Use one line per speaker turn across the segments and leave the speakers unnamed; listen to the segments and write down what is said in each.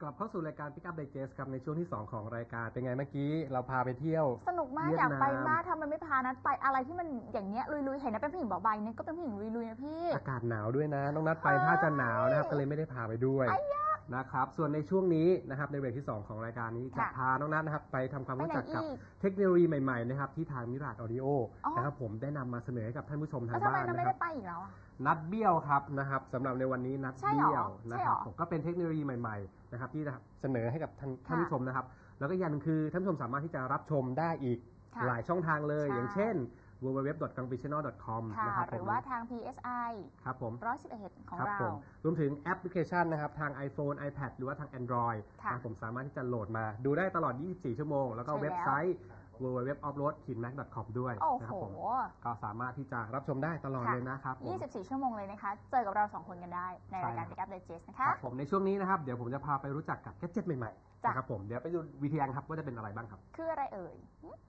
กลับเข้าสู่รายการ Pick Up Digest ครับในช่วงที่2ของรายการเป็นไงเมื่อกี้เราพาไปเที่ยว
สนุกมากอยากไปมากทำไมไม่พานัดไปอะไรที่มันอย่างเงี้ยลุยๆเห็นนะเป็นผู้หญิงบอกใบเนี่ยก็เป็นผู้หญิงลุยๆนะพี่
อากาศหนาวด้วยนะน้องนัดไปถ้าจะหนาวนะครับก็เลยไม่ได้พาไปด้วยนะครับส่วนในช่วงนี้นะครับในเบรกที่2ของรายการนี้จะพาน้องนัดนะครับไปทำความรู้จักกับเทคโนโลยีใหม่ๆนะครับที่ทางมิราดออดิโอนะครับผมได้นำมาเสนอให้กับท่านผู้ชมทางบ้านนะครับทำไม
ไม่ได้ไปอีกแล้ว
นัดเบี้ยวครับนะครับสำหรับในวันนี้นัดเบี้ยวนะครับผมก็เป็นเทคโนโลยีใหม่ๆนะครับที่เสนอให้กับท่านผู้ชมนะครับแล้วก็อย่างนึงคือท่านผู้ชมสามารถที่จะรับชมได้อีกหลายช่องทางเลยอย่างเช่น www.gangbichannel.com นะครับ
หรือว่าทาง PSI
ครับผม
111ของเรา
รวมถึงแอปพลิเคชันนะครับทาง iPhone iPad หรือว่าทาง Android ผมสามารถที่จะโหลดมาดูได้ตลอด24ชั่วโมงแล้วก็เว็บไซต์ www.offroad-mac.com ด้วยนะครับผมก็สามารถที่จะรับชมได้ตลอดเลยนะครับ
24ชั่วโมงเลยนะคะเจอกับเรา2คนกันได้ในรายการ Pick Up Digest นะคะ
ผมในช่วงนี้นะครับเดี๋ยวผมจะพาไปรู้จักกับแกดเจ็ตใหม่ๆนะครับผมเดี๋ยวไปดูวิทยาครับว่าจะเป็นอะไรบ้างครับ
คืออะไรเอ่ย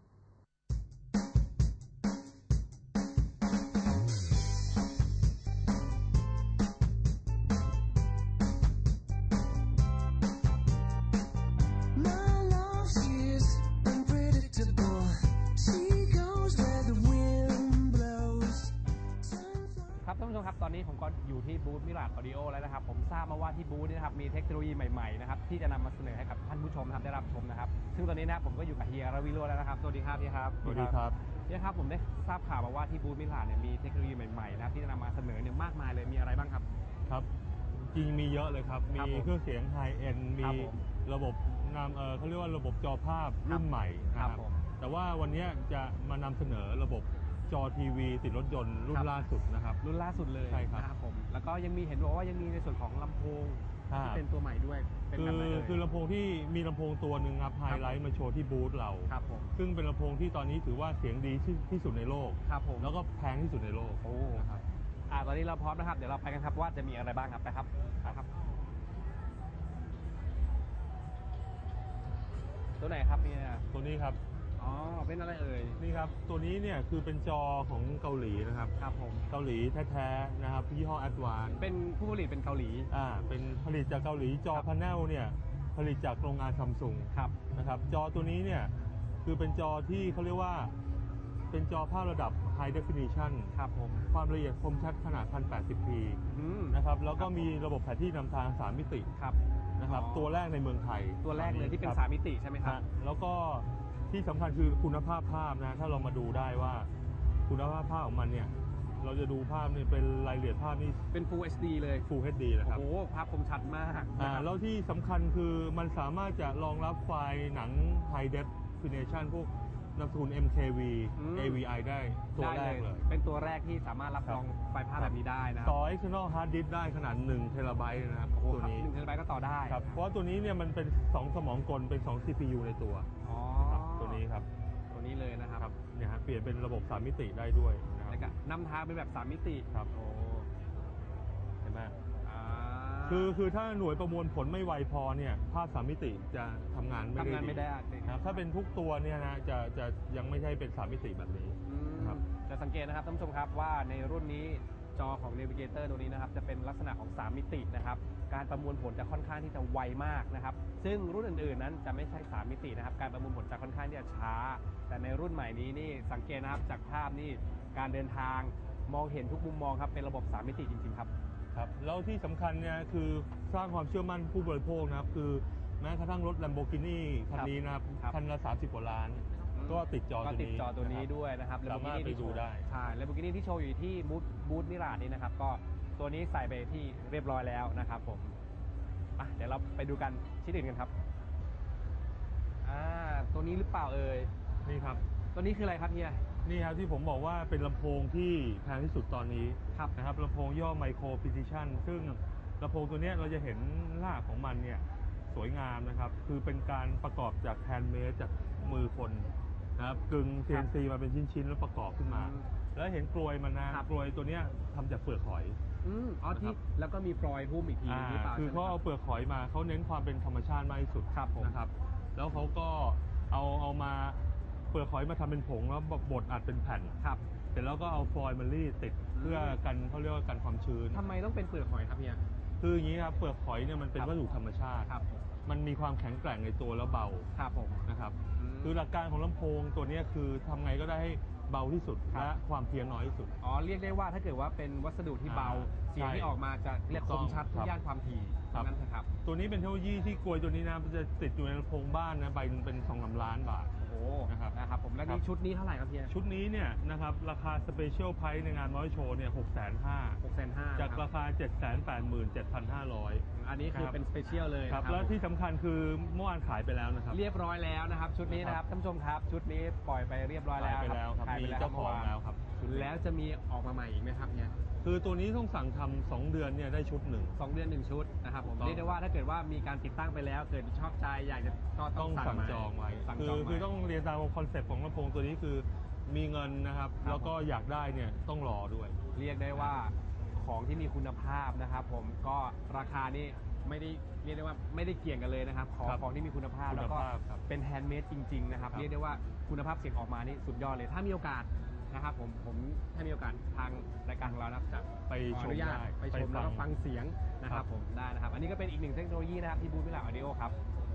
ท่านผู้ชมครับตอนนี้ผมก็อยู่ที่บูธมิราดออดิโอแล้วนะครับผมทราบมาว่าที่บูธนี้นะครับมีเทคโนโลยีใหม่ๆนะครับที่จะนำมาเสนอให้กับท่านผู้ชมได้รับชมนะครับซึ่งตอนนี้นะผมก็อยู่กับเฮียรวิโรจน์แล้วนะครับสวัสดีครับเฮียครับ
สวัสดีครับ
เฮียครับผมได้ทราบข่าวมาว่าที่บูธมิราดเนี่ยมีเทคโนโลยีใหม่ๆนะครับที่จะนำมาเสนอเนี่ยมากมายเลยมีอะไรบ้างครับ
ครับจริงมีเยอะเลยครับมีเครื่องเสียงไฮเอ็นมีระบบเขาเรียกว่าระบบจอภาพรุ่นใหม่นะครับแต่ว่าวันนี้จะมานำเสนอระบบจอทีวีติดรถยนต์รุ่นล่าสุดนะครับ
รุ่นล่าสุดเลย
ใช่ครับ
ผมแล้วก็ยังมีเห็นบอกว่ายังมีในส่วนของลำโพงที่เป็นตัวใหม่ด้วยเป็นแบบไหนเลย
คือลำโพงที่มีลำโพงตัวหนึ่งครับไฮไลท์มาโชว์ที่บูธเรา
ครับผม
ซึ่งเป็นลำโพงที่ตอนนี้ถือว่าเสียงดีที่สุดในโลก
ครับผม
แล้วก็แพงที่สุดในโลก
โอ้ครับตอนนี้เราพร้อมนะครับเดี๋ยวเราไปกันครับว่าจะมีอะไรบ้างครับไปครับตัวไหนครับเนี่ย
ตัวนี้ครับ
อ๋อเป็นอะไรเอ่ย
นี่ครับตัวนี้เนี่ยคือเป็นจอของเกาหลีนะครับ
ครับผม
เกาหลีแท้ๆนะครับยี่ห้อ Advance
เป็นผู้ผลิตเป็นเกาหลี
เป็นผลิตจากเกาหลีจอพาเนลเนี่ยผลิตจากโรงงานซัมซุง
ครับ
นะครับจอตัวนี้เนี่ยคือเป็นจอที่เขาเรียกว่าเป็นจอภาพระดับ High Definition
ครับผม
ความละเอียดคมชัดขนาด 1080p นะครับแล้วก็มีระบบแผนที่นำทาง3มิตินะครับตัวแรกในเมืองไทย
ตัวแรกเลยที่เป็น3มิติใช่ไหมครับ
แล้วก็ที่สำคัญคือคุณภาพภาพนะถ้าเรามาดูได้ว่าคุณภาพภาพของมันเนี่ยเราจะดูภาพนี่เป็นรายละเอียดภาพนี่
เป็น Full HD เลย
Full HD นะครับ
โอ้โหภาพคมชัดมาก
แล้วที่สำคัญคือมันสามารถจะรองรับไฟล์หนัง High Definition พวกนามสกุล MKV AVI ได้ตัวแรกเลย
เป็นตัวแรกที่สามารถรับรองไฟล์ภาพแบบนี้ได้นะ
ต่อ external hard disk ได้ขนาด1 เทราไบต์นะครับตัวนี้
1 เทราไบต์ก็ต่อได้
ครับเพราะว่าตัวนี้เนี่ยมันเป็น2 สมองกลเป็น2 CPU ในตัวตัวนี้ครับ
ตัวนี้เลยนะครับ
เนี่ยฮะเปลี่ยนเป็นระบบ3มิติได้ด้วย
นะครับนำทางเป็นแบบ3มิติ
ครับโอ้เห็นไหมคือถ้าหน่วยประมวลผลไม่ไวพอเนี่ยภาพ3มิติจะทำงานไม่ได้นะถ้าเป็นทุกตัวเนี่ยนะจะยังไม่ใช่เป็น3มิติแบบนี้
ครับจะสังเกตนะครับท่านผู้ชมครับว่าในรุ่นนี้จอของ Navigator ตัวนี้นะครับจะเป็นลักษณะของ3มิตินะครับการประมวลผลจะค่อนข้างที่จะไวมากนะครับซึ่งรุ่นอื่นๆนั้นจะไม่ใช่3มิตินะครับการประมวลผลจะค่อนข้างที่จะช้าแต่ในรุ่นใหม่นี้นี่สังเกตนะครับจากภาพนี่การเดินทางมองเห็นทุกมุมมองครับเป็นระบบ3มิติจริงๆครับ
แล้วที่สำคัญเนี่ยคือสร้างความเชื่อมั่นผู้บริโภคนะครับคือแม้กระทั่งรถ Lamborghini คันนี้นะครับคันละ30 กว่าล้านก็ติดจอ
ตัวนี้ด้วยนะครับ
สามารถไปดูได้
ใช่ Lamborghini ที่โชว์อยู่ที่บูธมิราดนี้นะครับก็ตัวนี้ใส่ไปที่เรียบร้อยแล้วนะครับผมเดี๋ยวเราไปดูกันชิ้นอื่นกันครับตัวนี้หรือเปล่าเอ่ย
นี่ครับ
ตัวนี้คืออะไรครับเฮีย
นี่ครับที่ผมบอกว่าเป็นลำโพงที่แพงที่สุดตอนนี้นะครับลำโพงย่อ Micro Precision ซึ่งลำโพงตัวนี้เราจะเห็นรากของมันเนี่ยสวยงามนะครับคือเป็นการประกอบจากแฮนด์เมดจากมือคนนะครับกึ่ง CNC มาเป็นชิ้นๆแล้วประกอบขึ้นมาแล้วเห็นกลวยมันนะกลวยตัวนี้ทำจากเปลือกหอย
ที่แล้วก็มีฟลอยด์หุ้มอีกทีหรือเปล่า
คือเขาเอาเปลือกหอยมาเขาเน้นความเป็นธรรมชาติมากที่สุดนะครับแล้วเขาก็เอามาเปลือกหอยมาทำเป็นผงแล้วบดอัดเป็นแผ่นเสร็จแล้วก็เอาฟอยล์มารีดติดเพื่อกันเขาเรียกว่ากันความชื้น
ทำไมต้องเป็นเปลือกหอยครับเฮีย
คืออย่างนี้ครับเปลือกหอยเนี่ยมันเป็นวัสดุธรรมชาติมันมีความแข็งแกร่งในตัวแล้วเบา
ครับผม
นะครับคือหลักการของลำโพงตัวเนี้ยคือทำไงก็ได้ให้เบาที่สุด
ครับ
และความเพี้ยนน้อยที่สุด
อ๋อเรียกได้ว่าถ้าเกิดว่าเป็นวัสดุที่เบา เสียงที่ออกมาจะเรียกคมชัด
ครับ
ย่านความถี่
ครับ
นั่นนะครับ
ตัวนี้เป็นเทคโนโลยีที่กลวยตัวนี้นะมันจะติดอยู่ในลำโพงบ้านนะใบหนึ่งเป็น2-3 ล้านบาท
โอ้
นะครับ
นะครับผมแล้ว
ครั
นี่
บ
ชุดนี้เท่าไหร่ครับเฮีย
ชุดนี้เนี่ยนะครับราคาสเปเชียลไพรส์ในงานมอเตอร์โชว์เนี่ย650,000
650,000
จากราคา 787,500
อันนี้คือ
ครับ
เป็นสเปเชียลเลย
ครับ
นะ
แล้วที่สำคัญคือเมื่อวานขายไปแล้วนะครับ
เรียบร้อยแล้วนะครับ ชุดนี้นะครับท่านผู้ชมครับ ชุดนี้ปล่อยไปเรียบร้อยแล้ว
ขายไปแล้วครับ
ขาย
มี
ไปแล้ว
เจ้าของแล้วครับ
แล้วจะมีออกมาใหม่อีกไหมครับเนี่ย
คือตัวนี้ต้องสั่งทำ2 เดือนเนี่ยได้ชุดหนึ่ง
2 เดือน 1 ชุดนะครับผม
ต้อง
เรียกได้ว่าถ้าเกิดว่ามีการติดตั้งไปแล้วเกิดชอบใจอยากจะก็ต้
ต้
อ
อง งสั่ง
มา
จองไว้
สั่ง
คื
จอง
คือ
ไว้
ต้องเรียนตามคอนเซ็ปต์ของลำโพงตัวนี้คือมีเงินนะครับ
ครับ
แล้วก็อยากได้เนี่ยต้องรอด้วย
เรียกได้ว่าของที่มีคุณภาพนะครับผมก็ราคานี่ไม่ได้เรียกได้ว่าไม่ได้เกี่ยงกันเลยนะครับของ
ครับ
ของที่มีคุณภาพ
คุณ
แล้วก็
ภาพครับ
เป็นแฮนด์เมดจริงๆนะครับ
ครับ
เรียกได้ว่าคุณภาพเสียงออกมานี่สุดยอดเลยถ้ามีโอกาสนะครับผมถ้ามีโอกาสทางรายการของเรานะครับจะ
ไป
ขอ
ช
อ
ม
นุญาต
ได้
ไปชมแล้วก็ฟังเสียงนะค
ครั
รับบ ผมได้นะครับ อันนี้ก็เป็นอีกหนึ่งเทคโนโลยีนะครับที่บูธวิลาออดิโอครับ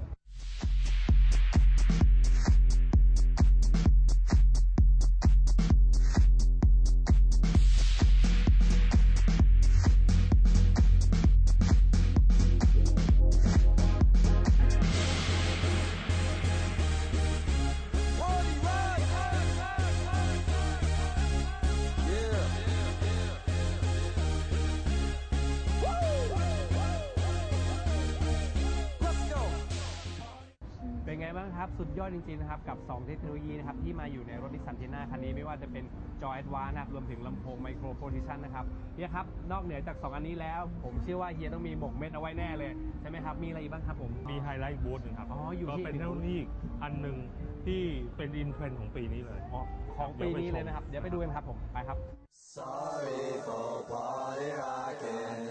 เป็นไงบ้างครับ สุดยอดจริงๆนะครับกับ 2 เทคโนโลยีนะครับที่มาอยู่ในรถนิสสันทีน่าคันนี้ไม่ว่าจะเป็นจอแอดวานซ์นะครับรวมถึงลำโพงไมโครโพซิชันนะครับเฮียครับ นอกเหนือจาก 2 อันนี้แล้ว ผมเชื่อว่าเฮียต้องมีหมกเม็ดเอาไว้แน่เลย ใช่ไหมครับ มีอะไรอีกบ้างครับผม
มีไฮไลท์บูธหนึ่งครับ
อ๋ออยู่
ก็
ที่
เป็นเทคโนโลยีอันหนึ่งที่เป็นอินเทรนด์ของปีนี้เลย
อ๋อของปีนี้เลยนะครับ เดี๋ยวไปดูกันครับผมไปครับ
Sorry for party rocking.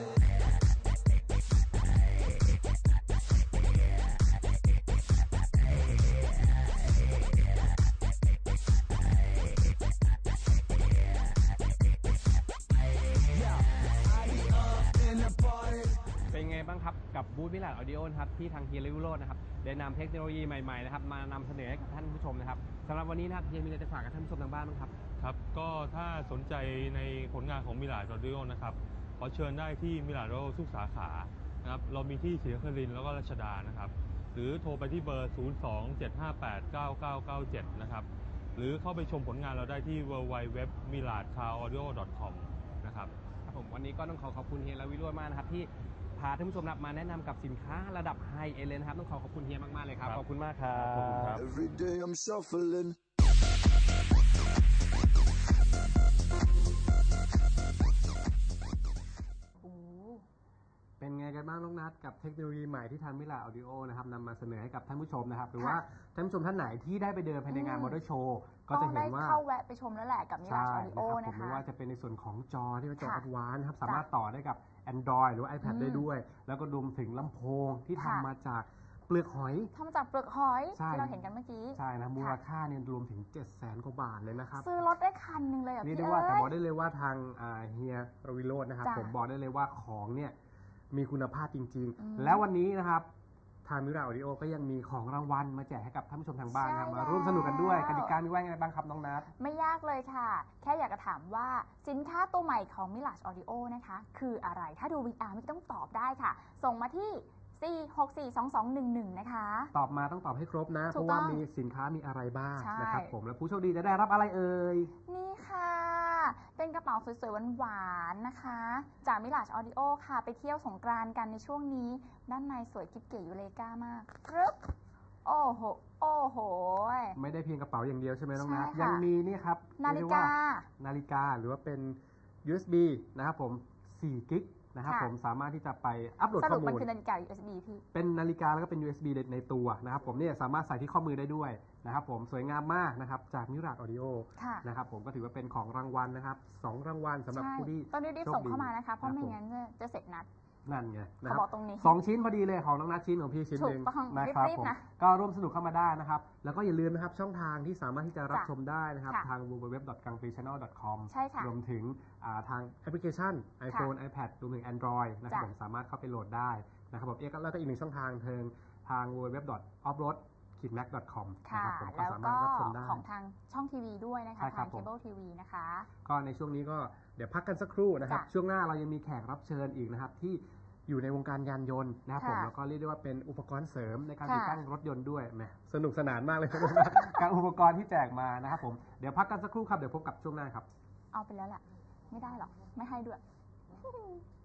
เป็นไงบ้างครับกับบูธมิลาดออดิโอนะครับที่ทางเฮียริวิโรจน์นะครับได้นำเทคโนโลยีใหม่ๆนะครับมานำเสนอให้กับท่านผู้ชมนะครับสำหรับวันนี้นะครับเฮียมีอะไรจะฝากกับท่านผู้ชมทางบ้านบ้างครับ
ครับ ก็ถ้าสนใจในผลงานของมิลาดออดิโอนะครับ ขอเชิญได้ที่มิลาดออดิโอทุกสาขานะครับ เรามีที่ศรีนครินทร์แล้วก็รัชดานะครับ หรือโทรไปที่เบอร์ 027589997 นะครับ หรือเข้าไปชมผลงานเราได้ที่ www.miladcaraudio.com นะครับ
ครับผมวันนี้ก็ต้องขอบคุณเฮียและวิโรจน์มากนะครับที่พาท่านผู้ชมนะครับมาแนะนำกับสินค้าระดับไฮเอเลยนะครับต้องขอบคุณเฮียมากๆเลยครับ
ครับ
ขอบคุณมากครับ
ขอบคุณครับ
Every day I'm shuffling.
โอ้
เป็นไงกันบ้างน้องนัทกับเทคโนโลยีใหม่ที่ทางมิลาออดิโอนะครับนำมาเสนอให้กับท่านผู้ชมนะครับหรือว่าท่านผู้ชมท่านไหนที่ได้ไปเดินภายในงานมอเตอร์โชว์ก็
ต้อ
จะ
ง
เห็
ได้
นว่า
เข้าแวะไปชมแล้วแหละกับมิลา
ใช่
ออดิโอ
นะครับผม
นะคะ
ไม่ว่าจะเป็นในส่วนของจอที่เป็นจอ
ค่ะ
แอดวานซ์ครับสามารถต่อได้กับ Android หรือว่า iPad ได้ด้วย แล้วก็รวมถึงลำโพงที่
ค่ะ
ทำมาจากเปลือกหอย
ทำมาจากเปลือกหอย
ใช่
ที่เราเห็นกันเมื่อกี้
ใช่นะมูลค่าเนี่ยรวมถึง 700,000 กว่าบาทเลยนะครับ
ซื้อรถได้คันหนึ่งเลยอ่ะ
เรียก
พี่
ได้
เอ้
ว่าแต่บอก
ย
ได้เลยว่าทางเฮียรวิโรจน์นะครับ
จ้ะ
ผมบอกได้เลยว่าของเนี่ยมีคุณภาพจริง
อืม
ๆ แล้ววันนี้นะครับทางมิราออดิโอก็ยังมีของรางวัลมาแจกให้กับท่านผู้ชมทางบ้านนะครับ
ใช่
มาร่วมสนุกกันด้วย
แล้ว
กติกามีว่ายังไงบ้างครับน้องนัท
ไม่ยากเลยค่ะ แค่อยากจะถามว่าสินค้าตัวใหม่ของ Mirage Audio นะคะ คืออะไร ถ้าดู VR ไม่ต้องตอบได้ค่ะ ส่งมาที่ 4642211 นะคะ
ตอบมาต้องตอบให้ครบนะ
ถู
เพ
ก
ราะ
ต้อง
ว่ามีสินค้ามีอะไรบ้าง
ใช่
นะครับผมและผู้โชคดีจะได้รับอะไรเอ่ย
นี่ค่ะ เป็นกระเป๋าสวยๆหวานๆนะคะ จาก Mirage Audio ค่ะ ไปเที่ยวสงกรานต์กันในช่วงนี้ ด้านในสวยกิ๊บเก๋ยูเลกามากกรึ๊บโอ้โห โอ้โห
ไม่ได้เพียงกระเป๋าอย่างเดียวใช่ไหมน้องนัท
ใช่ค่ะ
ยังมีนี่ครับ
นาฬิ
เรีย
กา
ว่นาฬิกาหรือว่าเป็น USB นะครับผม4กิกนะครับ
ค่ะ
ผมสามารถที่จะไปอัปโหลด
ส
ข้
รุ
อ
ป
มู
มัน
ล
คือนาฬิกา USB พี่
เป็นนาฬิกาแล้วก็เป็น USB ในตัวนะครับผมเนี่ยสามารถใส่ที่ข้อมือได้ด้วยนะครับผมสวยงามมากนะครับจากมิราดออดิโอ
ค่ะ
นะครับผมก็ถือว่าเป็นของรางวัลนะครับ2รางวัลสำหรับ
ใช่
ผู้ที่
ต้องรีบๆส่งเข้ามานะคะ เพราะไม่งั้นจะเสร็จนัด
นั่นไงนะค
เขา
รับ
บอกตรงนี้
สองชิ้นพอดีเลยของน้องนัทชิ้นของพี่ชิ้นหนึ่ง
ถูกต้อง
นะครับ
รีบๆ
ผม
นะ
ก็ร่วมสนุกเข้ามาได้นะครับแล้วก็อย่าลืมนะครับช่องทางที่สามารถที่จะรับ
จ้ะ
ชมได้นะครับ
ค่ะ
ทาง www.gangplaychannel.com
ใช่ค่ะ
รวมถึงทางแอปพลิเคชัน iPhone iPad รวมถึง Android นะครับ
จ้ะ
ผมสามารถเข้าไปโหลดได้นะครับผมแล้วก็อีกหนึ่งช่องทางทาง www.offroad-mac.com
ค่ะ
นะครับผมก็
แล้ว
สามาร
ก็
ถรับชมได้
ของทางช่องทีวีด้วยนะคะ
ใช่ครั
ทา
บ
ง
ผม
เคเบิลทีวีนะคะ
ก็ในช่วงนี้ก็เดี๋ยวพักกันสักครู่นะครับ
จ้ะ
ช่วงหน้าเรายังมีแขกรับเชิญอีกนะครับที่อยู่ในวงการยานยนต์นะครับผม
ค่ะ
แล้วก็เรียกได้ว่าเป็นอุปกรณ์เสริมในการ
ค่ะ
ติดตั้งรถยนต์ด้วยแหมสนุกสนานมากเลย การอุปกรณ์ที่แจกมานะครับผมเดี๋ยวพักกันสักครู่ครับเดี๋ยวพบกับช่วงหน้าครับ
เอาไปแล้วแหละไม่ได้หรอก ไม่ให้ด้วย